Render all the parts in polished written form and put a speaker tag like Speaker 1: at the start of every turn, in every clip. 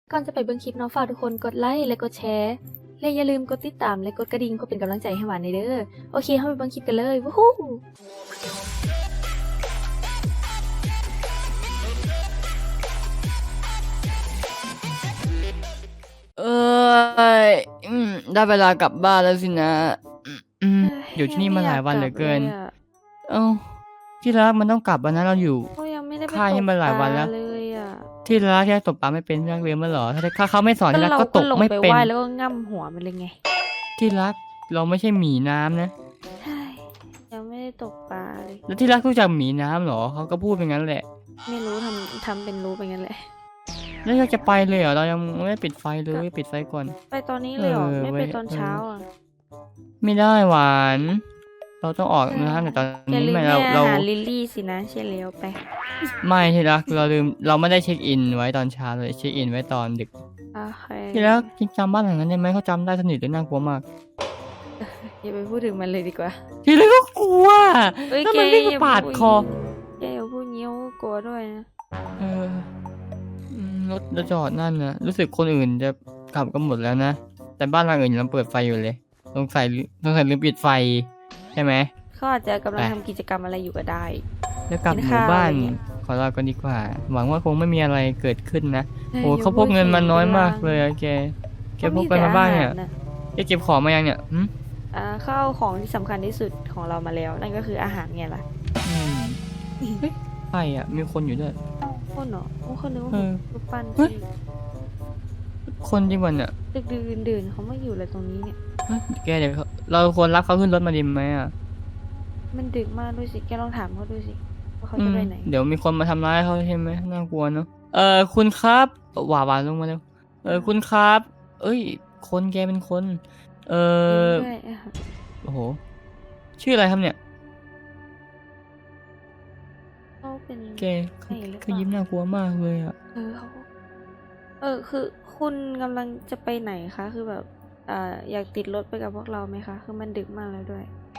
Speaker 1: ก่อนจะไปเบิ่งคลิปเนาะฝากทุกคนกดไลค์และกดแชร์และอย่าลืมกดติดตามและกดกระดิ่งเพื่อเป็นกำลังใจให้หวานในเด้อโอเคเข้าไปเบิ่งคลิปกันเลยวู้ฮู้
Speaker 2: เอ้ยได้เวลากลับบ้านแล้วสินะอยู่ที่นี่มาหลายวันเหลือเกิน เอ้าที่รักมันต้องกลับวันนั้นเราอยู่
Speaker 1: เขายังไม่ได้ไป
Speaker 2: ค่ายนี่มาหลายวันแล้ว
Speaker 1: เลยอ่ะ
Speaker 2: ที่รักแค่ตกปลาไม่เป็นที่รักเรียนมาเหรอถ้าเขาไม่สอนที่รักก็ตก
Speaker 1: ลง
Speaker 2: ไม่
Speaker 1: ไป
Speaker 2: เป็น
Speaker 1: ไหว้แล้วก็ง่ำหัวมันเลยไง
Speaker 2: ที่รักเราไม่ใช่หมีน้ำนะ
Speaker 1: ใช่ยังไม่ได้ตกปลาเลย
Speaker 2: แล้วที่รักรู้จักหมีน้ำเหรอเขาก็พูดเป็นงั้นแหละ
Speaker 1: ไม่รู้ทำเป็นรู้ไปงั้นแหละ
Speaker 2: แล้วเราจะไปเลยเหรอเรายังไม่ได้ปิดไฟเลยปิดไฟก่อน
Speaker 1: ไปตอนนี้เลยเหรอ
Speaker 2: เออ
Speaker 1: ไม่ไป
Speaker 2: ไว้
Speaker 1: ตอนเช้าอ่ะ
Speaker 2: ไม่ได้หวาน เราต้องออกนะแต่ตอน
Speaker 1: อย่า
Speaker 2: นี้
Speaker 1: ลืม
Speaker 2: ไม่
Speaker 1: แม่
Speaker 2: เรา
Speaker 1: หาลิลลี่สินะใช่แล้วไป
Speaker 2: ไม่ที่รักเราลืมเราไม่ได้เช็คอินไว้ตอนเช้าเลยเช็คอินไว้ตอนดึก
Speaker 1: โอเค
Speaker 2: ที่รักจำบ้านหลังนั้นได้ไหมเขาจำได้สนิทเลยน่ากลัวมาก
Speaker 1: อย่าไปพูดถึงมันเลยดีกว่า
Speaker 2: ที่รักก็กลัว
Speaker 1: เอ้ย
Speaker 2: แล้ว
Speaker 1: แก
Speaker 2: มันวิ่ง
Speaker 1: อย่า
Speaker 2: ปาดคอ
Speaker 1: แกอย่าพูดงี้กลัวด้วยนะ
Speaker 2: เออรถจะจอดนั่นนะรู้สึกคนอื่นจะกลับกันหมดแล้วนะแต่บ้านหลังอื่นยังเปิดไฟอยู่เลยสงสัยลืมปิดไฟใช่ไหม
Speaker 1: เขาอาจจะกำลัง
Speaker 2: ไป
Speaker 1: ทำกิจกรรมอะไรอยู่ก็ได้
Speaker 2: แล้วกลับ
Speaker 1: กิน
Speaker 2: หมู่
Speaker 1: ข้าว
Speaker 2: บ้าน
Speaker 1: อะไรเงี้ย
Speaker 2: ขอลากันดีกว่า หวังว่าคงไม่มีอะไรเกิดขึ้นนะ
Speaker 1: ฮ้ย
Speaker 2: โอ้
Speaker 1: อย่
Speaker 2: เขาพกเงินมาน้อยมากเลยอะแกพกไปมาบ้างเนี่ย
Speaker 1: ขมีแต่อหรนะ
Speaker 2: แกเก็บของมายังเนี่ยหืม
Speaker 1: เขาเอาของที่สำคัญที่สุดของเรามาแล้ว นั่นก็คืออาหารไงล่ะ
Speaker 2: อืมเฮ้ยใครอ่ะมีคนอยู่ด้วย
Speaker 1: คนเหรอโอ้คนนึกว่า
Speaker 2: เออ
Speaker 1: รูปปั้น
Speaker 2: เฮ้ย
Speaker 1: ที่
Speaker 2: คนจริงวันเนี่ย
Speaker 1: ดึกดื่นเขามาอยู่อะไรตรงนี้เนี่ย
Speaker 2: เฮ้ยแกเดี๋ยวเราควรรับเขาขึ้นรถมาดีไหมอ่ะ
Speaker 1: มันดึกมากด้วยสิแกลองถามเขาดูสิว่าเขาจะไปไหน
Speaker 2: เดี๋ยวมีคนมาทำร้ายเขาใช่ไหมน่ากลัวเนอะคุณครับหวานลงมาเร็วคุณครับ เอ้ย คนแกเป็นคน
Speaker 1: ด้วยอะ
Speaker 2: โอ้โหชื่ออะไรครับเนี่ย
Speaker 1: เขาเป็น
Speaker 2: แก
Speaker 1: ใครหรือเปล่า
Speaker 2: เขายิ้มน่ากลัวมากเลยอ่ะ
Speaker 1: คือคุณกำลังจะไปไหนคะคือแบบอยากติดรถไปกับพวกเราไหมคะคือมันดึกมากแล้วด้วย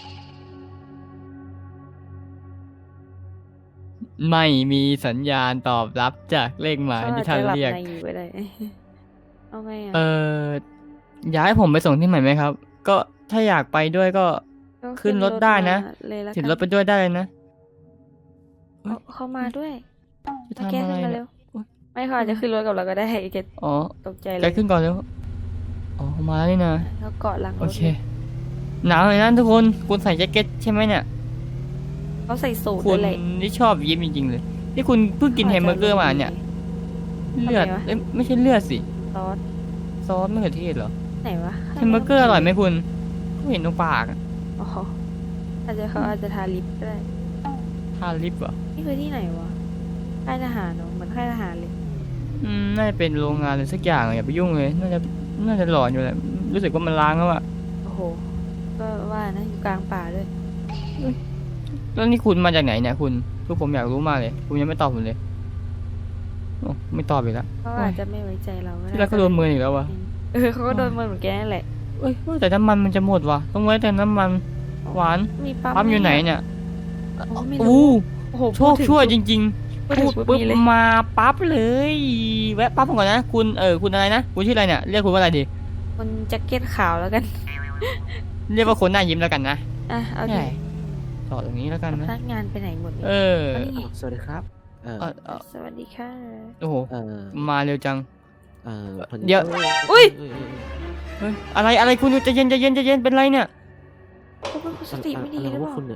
Speaker 2: ไม่มีสัญญาณตอบรับจากเลขหมาย
Speaker 1: เขาอา
Speaker 2: ที่
Speaker 1: จ
Speaker 2: ท่าน
Speaker 1: จะหลับ
Speaker 2: เรียก
Speaker 1: ในอยู่ก็ได้ เอาไงอ่ะ
Speaker 2: อยากให้ผมไปส่งที่ใหม่ไหมครับ ก็ถ้าอยากไปด้วยก็
Speaker 1: ก็
Speaker 2: ขึ้นรถได้นะ
Speaker 1: มาเลยละ
Speaker 2: ติด
Speaker 1: กัน
Speaker 2: รถไปด้วยได้เลยนะ
Speaker 1: เขามาด้วย
Speaker 2: จะ
Speaker 1: แก
Speaker 2: ทำอะไร
Speaker 1: ขึ้นมา
Speaker 2: เนี่
Speaker 1: เร็
Speaker 2: ยว
Speaker 1: ไม่เขาอาจจะขึ้นรถกับเราก็ได้แก
Speaker 2: อ๋อ
Speaker 1: ตกใจเล
Speaker 2: แก
Speaker 1: ย
Speaker 2: ขึ้นก่อนเร็วอ๋อมาแล้วนี่นะ
Speaker 1: เขาเกาะหลังร
Speaker 2: โอ
Speaker 1: ถ
Speaker 2: เค หนาวเลยนะทุกคนคุณใส่แจ็คเก็ตใช่ไหมเนี่ย
Speaker 1: เขาใส่สูท
Speaker 2: คุ
Speaker 1: ด้ว
Speaker 2: ณ
Speaker 1: ยเลย
Speaker 2: นี่ชอบยิ้มจริงๆเลยนี่คุณเพิ่งกินแฮมเบอร์เกอร์มาเนี่ย เลือด
Speaker 1: ทำไมวะ
Speaker 2: เอ้ยไม่ใช่เลือดสิ
Speaker 1: ซอส
Speaker 2: ซอสมะเขือเทศเหรอ
Speaker 1: ไหนวะ
Speaker 2: แฮมเบอร์เกอร์อร่อยไหมคุณก็เห็นตรงปากอะ
Speaker 1: อ๋อเขาอาจจะทาลิปก็ได้
Speaker 2: ทาลิปเหรอ
Speaker 1: นี่คือที่ไหนวะค่ายทหารเนอะเหมือนค่ายทหารเลย
Speaker 2: น่าจะเป็นโรงงานอะไรสักอย่างอะอย่าไปยุ่งเลย น่าจะหลอนอยู่แหละรู้สึกว่ามันล้างแล้วอะ
Speaker 1: โอ้โหก็ว่านะอยู่กลางป่าด้วย
Speaker 2: แล้วนี่คุณมาจากไหนเนี่ยคุณคือผมอยากรู้มากเลย คุณยังไม่ตอบผมเลยโอ้ไม่ตอบอีกแล้ว
Speaker 1: เขาอาจจะไม่ไว้ใจเราก็ได้
Speaker 2: ที่แรกก็โดนมืออีกแล้ววะ
Speaker 1: เขาก็โดนมือเหมือนแกนั่นแหละ
Speaker 2: เอ้ยว่าแต่น้ำมันมันจะหมดวะต้องไว้แต่น้ำมันหวาน
Speaker 1: มีปั๊ม
Speaker 2: ปั๊มอยู่ไหนเนี่ย
Speaker 1: โอ้ไม่
Speaker 2: อู้
Speaker 1: รู้โอ้โห
Speaker 2: โชคช่วยจริง
Speaker 1: พูด
Speaker 2: ๆ พู
Speaker 1: ถึ
Speaker 2: ด
Speaker 1: ง
Speaker 2: ปุ๊บ
Speaker 1: มีเลย
Speaker 2: มาปั๊บเลย แวะปั๊บผมก่อนนะคุณคุณอะไรนะคุณชื่ออะไรเนี่ยเรียกคุณว่าอะไรดี
Speaker 1: คนแจ็คเก็ตขาวแล้วกัน
Speaker 2: เรียกว่าคนหน้ายิ้มแล้วกันนะ
Speaker 1: อ่ะเอาดิ
Speaker 2: ใช่จอดตรงนี้แล้วกัน
Speaker 1: พ
Speaker 2: นะ
Speaker 1: นักงานไปไหนหมดเลย
Speaker 2: เออ
Speaker 1: เอานี่
Speaker 3: สวัสดีครับ
Speaker 2: เออ
Speaker 1: สวัสดีค่ะ
Speaker 2: โอ้โห
Speaker 3: เอ่อ
Speaker 2: มาเร็วจัง
Speaker 3: พอ
Speaker 2: เดี๋ยว
Speaker 1: อุ้ย
Speaker 2: เฮ้ยอะไรคุณใจเย็นเป็นไรเนี่ย
Speaker 1: เขาเป็นคนสติไม่ดีหรือเป
Speaker 3: ว่า
Speaker 1: ล่า
Speaker 3: คุณเนี่ย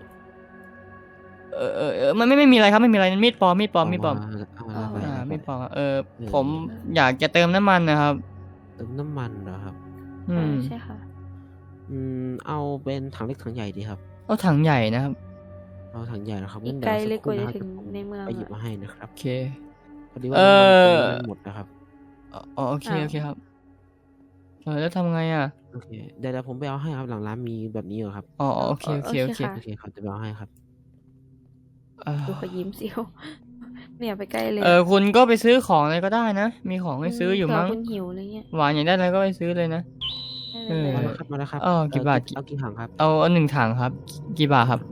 Speaker 2: มันไม่มีอะไรครับไม่มีอะไรมีดปลอม
Speaker 3: เอา
Speaker 2: มีดปลอม
Speaker 3: ไป
Speaker 2: มีดปลอมผมอยากจะเติมน้ำมันนะครับ
Speaker 3: เติมน้ำมันเหรอครับ
Speaker 2: อืม
Speaker 1: ใช่ค่ะ
Speaker 3: เอาเป็นถังเล็กถังใหญ่ดีครับ
Speaker 2: เอาถังใหญ่นะครับ
Speaker 3: เอาถังใหญ่นะครับ
Speaker 1: อีก
Speaker 3: งั้น
Speaker 1: ไกล
Speaker 3: ดี๋ว
Speaker 1: เลยกว่าจะ
Speaker 3: สั
Speaker 1: ถึง
Speaker 3: ครู่
Speaker 1: ในเมือง
Speaker 3: ไปหยิบ
Speaker 1: อะ
Speaker 3: มาให้นะครับ
Speaker 2: โอเค
Speaker 3: พอดีว่า
Speaker 2: เออ
Speaker 3: น้ำมันหมดนะครับ
Speaker 2: อ๋อโอเคครับแล้วทำไงอ่ะ
Speaker 3: โอเคเดี๋ยวผมไปเอาให้ครับหลังร้านมีแบบนี้เหรอครับ
Speaker 2: อ๋อโอเค
Speaker 3: โอเคเขาจะไปเอาให้ครับ
Speaker 1: ดูเขายิ้มสิวไม่อยากไปใกล้เลย
Speaker 2: คุณก็ไปซื้อของอะไรก็ได้นะ มีของให้ซื้ออยู่มั้ง
Speaker 1: เผื่คุณหิวอะไรเงี้ย
Speaker 2: หวานอยากได้อะไรก็ไปซื้อเลยนะ เออ
Speaker 1: ไม่
Speaker 3: มา
Speaker 1: เป็นไร
Speaker 3: แล้วครับมาแล้วครับ
Speaker 2: กี่บาท
Speaker 3: เอากี่ถังครับ
Speaker 2: เอา1 ถังครับ กี่บาทครับ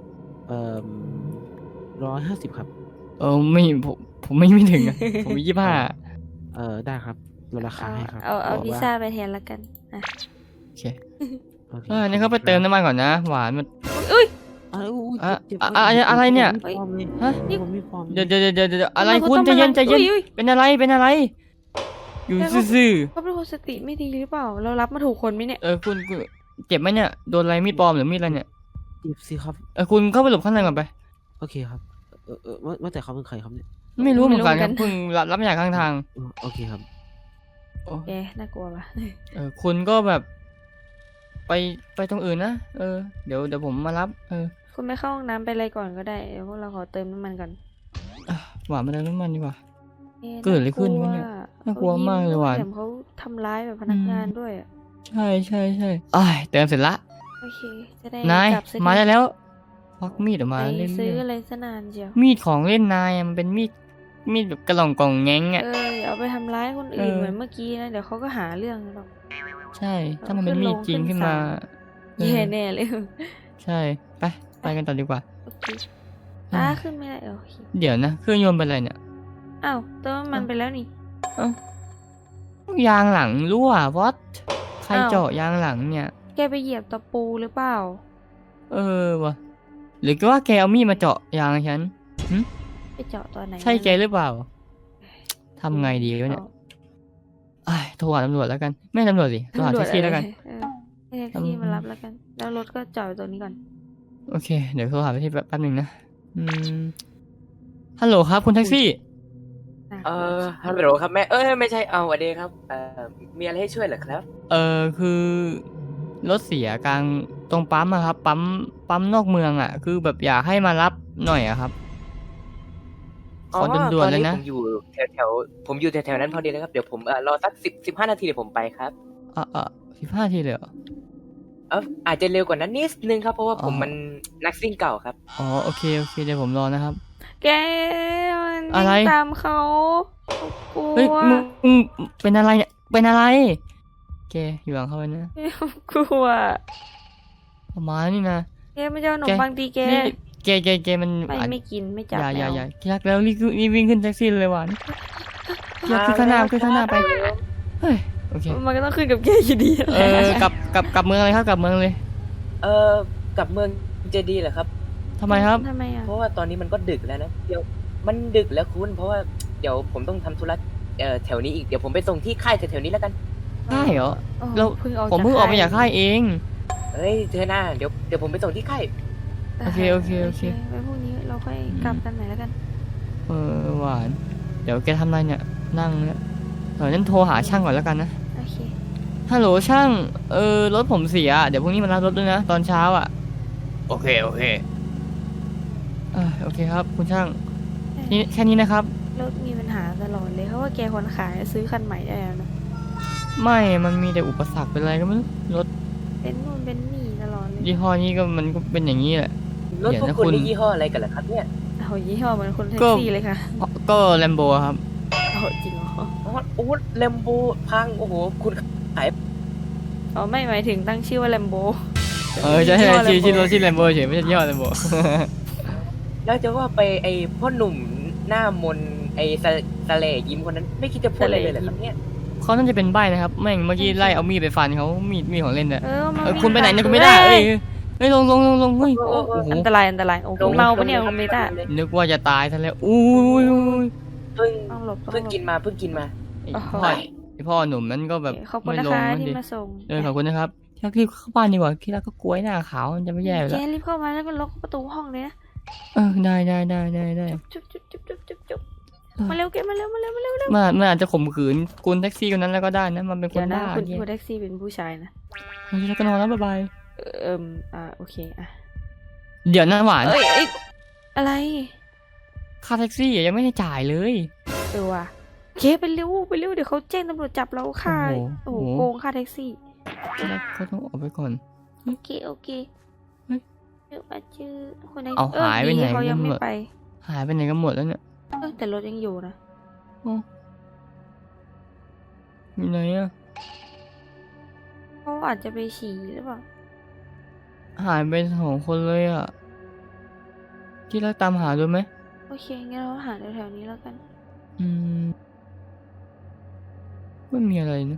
Speaker 3: 150ครับ
Speaker 2: ไม่ผมไม่ถึงอะผมมี25
Speaker 3: ได้ครับลดราคาให้ครับ
Speaker 1: เอา
Speaker 3: บอก
Speaker 1: พิซ
Speaker 3: ว่า
Speaker 1: ซ่าไปแทนละกันอ่ะ
Speaker 2: โอเค
Speaker 3: โอเค
Speaker 2: นี่เขาไปเติมน้ำมันก่อนนะ หวานมัน
Speaker 1: อุ้ย
Speaker 3: อ้าวอุ๊ย
Speaker 2: อ่ะ
Speaker 3: เจ็บ
Speaker 2: อ่ะอะไรเนี่ย
Speaker 3: ผมมีฟอร์มเลย
Speaker 2: ฮะ
Speaker 3: นี่ผมมีฟอร์ม
Speaker 2: เดี๋ยวอะไร
Speaker 1: ทำไม
Speaker 2: คุณ
Speaker 1: ต้อง
Speaker 2: ใจเย็น
Speaker 1: มา
Speaker 2: ใจเย็น
Speaker 1: อุ้ย
Speaker 2: เป็นอะไรอยู่ซื่อ
Speaker 1: เขาเป็นคนสติไม่ดีหรือเปล่า เรารับมาถูกคนไหมเนี่ย
Speaker 2: คุณเจ็บไหมเนี่ยโดนอะไรมีดปลอมหรือมีดอะไรเนี่ย
Speaker 3: เจ็บสิครับ
Speaker 2: คุณเข้าไปหลบข้างในก่อนไป
Speaker 3: โอเคครับว่าแต่เขาเป็นใครครับเนี่ย
Speaker 2: ไม่รู้เหมือนกัน
Speaker 1: ไม่รู้
Speaker 2: ครับ
Speaker 1: เหมือนกัน
Speaker 2: เพิ่งรับมาจากข้างทาง
Speaker 3: โอเคครับ
Speaker 2: โอ้
Speaker 1: แกน่ากลัวปะ
Speaker 2: คุณก็แบบ ไปตรงอื่นนะเดี๋ยวผมมารับ
Speaker 1: คุณไม่เข้าห้องน้ำไปอะไรก่อนก็ได้เดี๋ยวพวกเราขอเติมน้ำมันก่อน
Speaker 2: หวานมาเติมน้ำมันดีกว่า
Speaker 1: อ๊ะ
Speaker 2: เกิดอะไรขึ้นวะเนี่ยน่ากลัวมากเลยหวาน
Speaker 1: แถมเขาทำร้ายแบบพนักงานด้วยอะ
Speaker 2: ใช่อ้ายเติมเสร็จละ
Speaker 1: โอเค จะได้
Speaker 2: นาย
Speaker 1: กลับสักที
Speaker 2: มาได้แล้วควักมีดออกมา
Speaker 1: ไป
Speaker 2: เล่น
Speaker 1: ซื้ออะไรซะนานเชียว
Speaker 2: มีดของเล่นนายอะมันเป็นมีดแบบกระหล่องกล่องแง้งอ่ะ
Speaker 1: อย่าเอาไปทำร้ายคนอื่น
Speaker 2: เออ
Speaker 1: เหมือนเมื่อกี้นะ เดี๋ยวเขาก็หาเรื่องหรอก
Speaker 2: ใช่ ถ้ามันเป็นมีดจริงขึ้นมา
Speaker 1: แย่แน่เลย
Speaker 2: ใช่ไปกันต่อดีกว่า
Speaker 1: โอเค
Speaker 2: อ่า
Speaker 1: ขึ้นไม่ได้โอเค
Speaker 2: เดี๋ยวนะเครื่องยนต์เป็นอะไรเนี่ย
Speaker 1: อ้าวเติมน้ำมันไปแล้วนี่
Speaker 2: ยางหลังรั่ววอตใคร
Speaker 1: อ้าว
Speaker 2: เจาะยางหลังเนี่ย
Speaker 1: แกไปเหยียบตะปูหรือเปล่า
Speaker 2: วะหรือว่าแกเอามีดมาเจาะยางฉัน
Speaker 1: ไปเจาะตอนไหน
Speaker 2: ใช่แกหรือเปล่าทำไงดีวะเนี่ยอ้ายโทรหาตำรวจแล้วกันไม่ตำรวจสิโทรหาแท็กซี่แล้วกัน
Speaker 1: ให้แท็กซี่มารับแล้วกัน แล้วรถก็จอดอยู่ตรงนี้ก่อน
Speaker 2: โอเคเดี๋ยวโทรหาแท็กซี่แป๊บนึงนะฮัลโหลครับคุณแท็กซี่
Speaker 4: ฮัลโหลครับแม่ไม่ใช่สวัสดีครับมีอะไรให้ช่วยเหรอครับ
Speaker 2: คือรถเสียกลางตรงปั๊มอะครับปั๊มนอกเมืองอะคือแบบอยากให้มารับหน่อยอะครับขอด่วนๆเลยนะ
Speaker 4: ผมอยู่ผมอยู่แถวนั้นพอดีเลยครับเดี๋ยวผมรอสัก15 นาทีเดี๋ยวผมไปครับ
Speaker 2: 15 ทีเลยเหรอ
Speaker 4: อาจจะเร็วกว่านั้นนิดนึงครับเพราะว่าผม
Speaker 2: อ๋อ
Speaker 4: มันนักซิ่งเก่าครับ
Speaker 2: โอเคเดี๋ยวผมรอนะครับ
Speaker 1: แกมัน
Speaker 2: อะไร
Speaker 1: วิ่งตามเขากลั
Speaker 2: เฮ้ยว มึงเป็นอะไรเนี่ยเป็นอะไรแกอยู่หลังเขาไปนะ
Speaker 1: กลัว
Speaker 2: ประมาณนี้นะ
Speaker 1: แกไม่จะเอาขนมปังตีแก
Speaker 2: นี่แกมัน
Speaker 1: ไม่กินไม่จับ
Speaker 2: อย่า
Speaker 1: แล้ว
Speaker 2: ที่รักแล้วรีบวิ่งขึ้นแท็กซี่เลยหวานอย่าขึ้นข้างหน้าไปเฮ้ยโอเค
Speaker 1: มันก็ต้องขึ้นกับแกอยู่ดี
Speaker 2: กลับเมืองเลยครับกลับเมืองเลย
Speaker 4: กลับเมืองจะดีเหรอครับ
Speaker 2: ทำไมครับ
Speaker 1: ทำไมอ่ะ
Speaker 4: เพราะว่าตอนนี้มันก็ดึกแล้วนะเดี๋ยวมันดึกแล้วคุณเพราะว่าเดี๋ยวผมต้องทำธุระแถวนี้อีกเดี๋ยวผมไปส่งที่ค่ายแถวๆนี้แล้วกัน
Speaker 2: ได้เหรอ
Speaker 1: โอ้
Speaker 2: เรา
Speaker 1: เพิ่งออก
Speaker 2: ผมเพิ่งออกมาจากค่ายเอง
Speaker 4: เฮ้ยเธอหน้าเดี๋ยวผมไปส่งที่ค่าย
Speaker 2: โอเค
Speaker 1: ไว้พรุ่งนี้เราค่อยกลับกันใหม่แล้วกัน
Speaker 2: หวาน เดี๋ยวแกทำอะไรเนี่ยนั่งเนี่ยงั้นโทรหาช่างก่อนแล้วกันนะ
Speaker 1: โอเค
Speaker 2: ฮัลโหลช่างรถผมเสียเดี๋ยวพรุ่งนี้มารับรถด้วยนะตอนเช้าอ่ะโอเคโอเคครับคุณช่างนี่แค่นี้นะครับ
Speaker 1: รถมีปัญหาตลอดเลยเพราะว่าแกคนขายซื้อคันใหม่ได้แล้วนะ
Speaker 2: ไม่มันมีแต่อุปสรรคเป็นอะไรก็ไม่รู้รถ
Speaker 1: เป็นนู่นเป็นนี่ตลอดเลย
Speaker 2: ยี่ห้อนี้ก็มันก็เป็นอย่างนี้แหละ
Speaker 4: รถ
Speaker 2: เดี๋ยว
Speaker 4: พว
Speaker 2: นะ
Speaker 4: กคุณ
Speaker 2: คุณ
Speaker 4: นี่ยี่ห้ออะไรกันล่ะครับเนี่ย
Speaker 1: เอายี่ห้อเหมือนคนแท็ก
Speaker 2: ก็
Speaker 1: ซี่เลยค่ะ
Speaker 2: ก็แลมโบครับ
Speaker 1: เอาจริงเหรอ
Speaker 4: โอ้เลมโบพังโอ้โหคุณขาย
Speaker 1: อ๋อไม่หมายถึงตั้งชื่อว่าแลมโบ
Speaker 2: ใช่ชื่อรถชื่อแลมโบเฉยไม่ใช่ยี่ห้อแลมโบ
Speaker 4: แล้วจะว่าไปไอ้พ่อหนุ่มหน้ามนไอ้สะเลยิ้มคนนั้นไม่คิดจะพูดอะไรเลยเหรอครับเนี่ย
Speaker 2: เขาน่าจะเป็นใบ้นะครับแม่งเมื่อกี้ไล่เอามีดไปฟันเขามีดของเล่นเนี่ย
Speaker 1: มัน
Speaker 2: คุณไปไหนเนี่ยคุณไม่ได้เฮ้ยลงเฮ้ย
Speaker 1: โอ้
Speaker 2: โอ้โห
Speaker 1: อันตรายโอ้คุณเมาปะเนี่ยคุณเมตา
Speaker 2: นึกว่าจะตายซะแล้วอุ้ย
Speaker 4: เพิ่ง
Speaker 1: ต้องหลบ
Speaker 4: เพิ่งกินมาเพิ่งกินมา
Speaker 2: ไอพ่อหนุ่มนั้นก็แบบ
Speaker 1: ขอบคุณ
Speaker 2: ไม่
Speaker 1: นะ
Speaker 2: ลง
Speaker 1: คะ
Speaker 2: นั่น
Speaker 1: ที่
Speaker 2: ดิ
Speaker 1: มาส่ง
Speaker 2: ขอบคุณนะครับที่รักรีบเข้าบ้านดีกว่าที่รักก็กลัวหน้าขาวมันจะไม่แย่อยู่
Speaker 1: แก
Speaker 2: แล้ว
Speaker 1: รีบเข้ามาแล้วก็ล็อกประตูห้องเลยนะ
Speaker 2: ได้
Speaker 1: จุ๊บมาเร็วแกมาเร็ว
Speaker 2: มันอาจจะข่มขืนคุณแท็กซี่คนนั้นแล้วก็ได้นะมันเป็นค
Speaker 1: เดี๋ย
Speaker 2: น
Speaker 1: วนะ
Speaker 2: บ้า
Speaker 1: คุณ
Speaker 2: เนี่ย
Speaker 1: แท็กซี่เป็นผู้ชายนะ
Speaker 2: แล้วก็นอนแล้วบาย
Speaker 1: โอเคอ่ะ
Speaker 2: เดี๋ยวนะหวาน
Speaker 1: อะไร
Speaker 2: ค่าแท็กซี่ยังไม่ได้จ่ายเลย
Speaker 1: ว่ะเคไปเร็วเดี๋ยวเขาแจ้งตำรวจจับเราค่ะโอ้โหโกงค่าแท็กซี่
Speaker 2: เขาต้องออกไปก่อน
Speaker 1: โอเคชื่อคนไหน
Speaker 2: เอาหายไปไหน
Speaker 1: เขายังไม่ไป
Speaker 2: หายไปไหนกันหมดแล้วเนี่ย
Speaker 1: แต่รถยังอยู่นะ
Speaker 2: อยู่ไหนอะ
Speaker 1: เขาอาจจะไปฉี่หรือเปล่า
Speaker 2: หายไป2 คนเลยอะที่รักตามหาดูไหม
Speaker 1: โอเคงั้นเราหาแถวๆนี้แล้วกัน
Speaker 2: กไม่มีอะไรนะ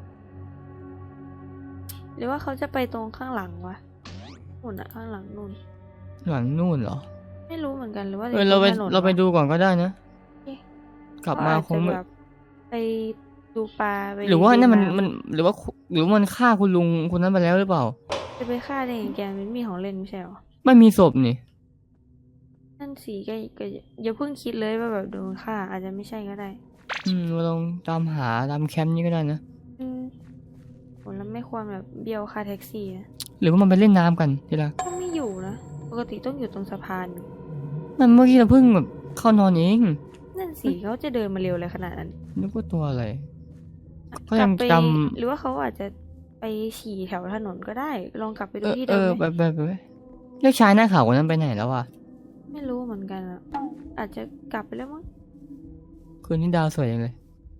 Speaker 1: หรือว่าเขาจะไปตรงข้างหลังวะนู่นอะข้างหลังนู่น
Speaker 2: หลังนู่นเหรอ
Speaker 1: ไม่รู้เหมือนกันหรือว่า
Speaker 2: เราไป
Speaker 1: ตถนน
Speaker 2: เราไป
Speaker 1: วะ
Speaker 2: ดูก่อนก็ได้นะ
Speaker 1: เอ๊ะ
Speaker 2: กลับมาคง
Speaker 1: เข
Speaker 2: ไม่
Speaker 1: อาจจะแบบไปดูปลาไป
Speaker 2: หรือว่านั่นมัน
Speaker 1: ดูำ
Speaker 2: มันหรือว่ามันฆ่าคุณลุงคนนั้นไปแล้วหรือเปล่า
Speaker 1: จะไปฆ่าได้ยังไงแกมันมีของเล่นไม่ใช่หรอ
Speaker 2: ไม่มีศพนี่
Speaker 1: นั่นสิก็อย่าเพิ่งคิดเลยว่าแบบโดนฆ่าอาจจะไม่ใช่ก็ได้
Speaker 2: เราลองตามหาตามแคมป์นี้ก็ได้นะ
Speaker 1: อืมผมแล้วไม่ควรแบบเบี้ยวค่าแท็กซี่นะ
Speaker 2: หรือว่ามันไปเล่นน้ำกันทีละ
Speaker 1: ก็ไม่อยู่นะปกติต้องอยู่ตรงสะพาน
Speaker 2: มันเมื่อกี้เราเพิ่งแบบเข้านอนเอง
Speaker 1: นั่นสิเขาจะเดินมาเร็วอะไรขนาดนั้น
Speaker 2: นึกว่าตัวอะไร ก็
Speaker 1: ก
Speaker 2: ยั
Speaker 1: ลั
Speaker 2: ง
Speaker 1: ไป
Speaker 2: จ
Speaker 1: หรือว่าเขาอาจจะไปฉี่แถวถนนก็ได้ ลองกลับไป
Speaker 2: ำ
Speaker 1: ดูที่เดิมไหม
Speaker 2: ไปเรียกชายหน้าขาวคนนั้นไปไหนแล้ววะ
Speaker 1: ไม่รู้เหมือนกันอ่ะ อาจจะกลับไปแล้วมั้ง
Speaker 2: คืนนี้ดาวสวยจังเลย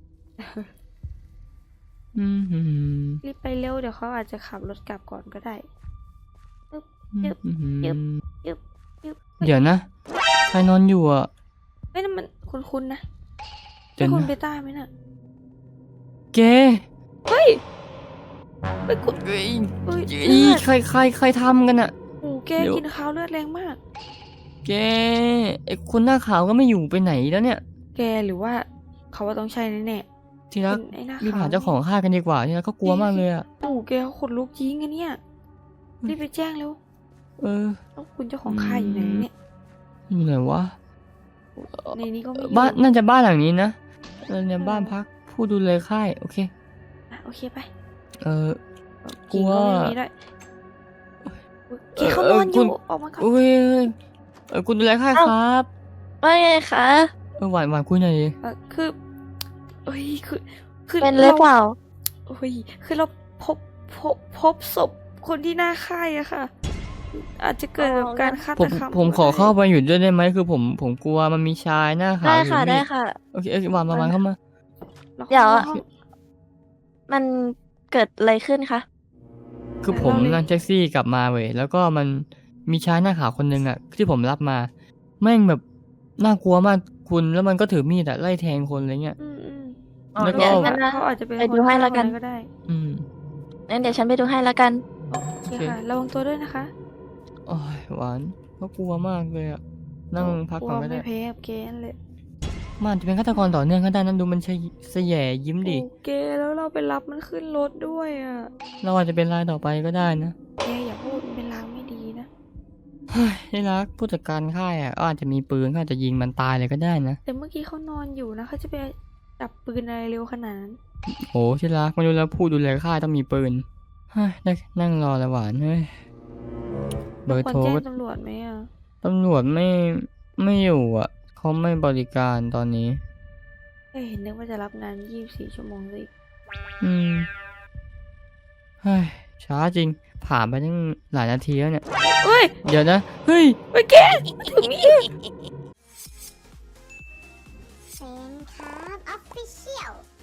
Speaker 1: รีบไปเร็วเดี๋ยวเขาอาจจะขับรถกลับก่อนก็ได้ ยึบ ยึบ ยึบ
Speaker 2: เดี๋ยวนะ ใครนอนอยู่อ่ะ
Speaker 1: เฮ้ยนั่นมันคุ้นๆนะ
Speaker 2: เดี๋
Speaker 1: ใช่
Speaker 2: ยว
Speaker 1: คุณ
Speaker 2: นะ
Speaker 1: เบต้าไหมน่ะ
Speaker 2: เก
Speaker 1: เฮ้ยไปกด
Speaker 2: เอ้ย
Speaker 1: เฮ้ย
Speaker 2: อี
Speaker 1: เลือด
Speaker 2: ใครทำกันอ่ะ
Speaker 1: โอ้แก
Speaker 2: เดี๋ยว
Speaker 1: กินข้าวเลือดแรงมาก
Speaker 2: แกไอคนหน้าขาวก็ไม่อยู่ไปไหนแล้วเนี่ย
Speaker 1: แกหรือว่าเขาว่าต้องใช่แน่
Speaker 2: ที
Speaker 1: ๆ
Speaker 2: รัก
Speaker 1: เป็นไอ้หน้า
Speaker 2: รีบ
Speaker 1: ขา
Speaker 2: หาว เจ้าของฆ่ากันดีกว่าทีรักก็กลัวมากเลยอ่ะ
Speaker 1: โอ้แกเขาขนลุกจริงอะเนี่ยรีบไปแจ้งเร็ว
Speaker 2: เออ
Speaker 1: แล้วคุณเจ้าของค่ายอยู่ไหนเนี่ย
Speaker 2: อยู่ไหนวะ
Speaker 1: ในนี้ก็ไม่อยู่
Speaker 2: บ้านน่าจะบ้านหลังนี้นะเนี่ยบ้านพักผู้ดูแลค่ายโอเค
Speaker 1: อ่ะโอเคไป
Speaker 2: เออ กลัว
Speaker 1: กิ่งก็ไม่มีด้วยแกเขานอนอ
Speaker 2: คุ
Speaker 1: ยู่
Speaker 2: ณ
Speaker 1: ออกมาก่อน
Speaker 2: อุ้ยคุณดูแลค่ายครับ
Speaker 5: ว่าไงคะ
Speaker 2: หวานคุยหน่อยดิ
Speaker 1: คือเอ้ยคือ
Speaker 5: เป็นหรือเปล่า
Speaker 1: เอ้ยคือเราพบศพคนที่หน้าค่ายอะค่ะ อาจจะเกิดแบบการฆา
Speaker 2: ผ
Speaker 1: ต
Speaker 2: ม
Speaker 1: กรรม
Speaker 2: ผมขอเข้าไปอยู่ด้วยได้ไหมคือผมกลัวมันมีชายหน้าขาว
Speaker 5: ได้
Speaker 2: อยู่
Speaker 5: ค่ะ
Speaker 2: นี่
Speaker 5: ได้ค่ะ
Speaker 2: โอเคหวานเข้ามา
Speaker 1: รา
Speaker 5: เดี๋ยว
Speaker 1: ข้าห้อง
Speaker 5: มันเกิดอะไรขึ้นคะ
Speaker 2: คือผมนั่งแท็กซี่กลับมาเว้ยแล้วก็มันมีชายหน้าขาวคนหนึ่งอ่ะที่ผมรับมาแม่งแบบน่ากลัวมากคุณแล้วมันก็ถือมีดอะไล่แทงคนอะไรเงี้ย
Speaker 1: อืม
Speaker 5: อ๋อ
Speaker 2: แล้วก็
Speaker 5: เดี๋ยวงั้นนะ
Speaker 1: เขาอาจจะเป็น
Speaker 5: ไปดูให้แล้วกัน
Speaker 1: คก็ได้
Speaker 2: อืม
Speaker 5: งั้นเดี๋ยวฉันไปดูให้แล้วกัน
Speaker 1: โอเคค่ะระวังตัวด้วยนะคะ
Speaker 2: โอ้ยหวานก็กลัวมากเลยอะนั่งพักก่อนก็
Speaker 1: ลัว
Speaker 2: ได้
Speaker 1: ไม่แพ้กับเกนเลย
Speaker 2: มันจะเป็นฆาตกรต่อเนื่องก็ได้นั่นดูมันเสแยยิ้มดิ
Speaker 1: โอเคแล้วเราไปรับมันขึ้นรถด้วยอ่ะ
Speaker 2: เราอาจจะเป็นรายต่อไปก็ได้นะ
Speaker 1: แกอย่าพูดมันเป็นลางไม่ดีนะ
Speaker 2: เฮ้ยที่รักผู้จัดการค่ายอ่ะก็อาจจะมีปืนก็อาจจะยิงมันตายเลยก็ได้นะ
Speaker 1: แต่เมื่อกี้เขานอนอยู่นะเขาจะไปจับปืนอะไรเร็วขนาดนั้น
Speaker 2: โอ้ที่รักไม่รู้แล้วผู้ดูแลค่ายต้องมีปืนเฮ้ยได้นั่งรอแล้วหวานเฮ้ยเบอร์
Speaker 1: ควร
Speaker 2: โทร
Speaker 1: แจ้ง
Speaker 2: ก็
Speaker 1: ตำรวจไหมอ่ะ
Speaker 2: ตำรวจไม่อยู่อ่ะเขาไม่บริการตอนนี้
Speaker 1: เห็นนึกว่าจะรับงาน24 ชั่วโมงเลย
Speaker 2: อืมเฮ้ยช้าจริง ผ่านไปตั้งหลายนาทีแล้วเนี่ย
Speaker 1: เฮ้ย
Speaker 2: เดี๋ยวนะ เฮ้ย
Speaker 1: แกถึงนี่
Speaker 6: เซนครับออฟฟิเชียล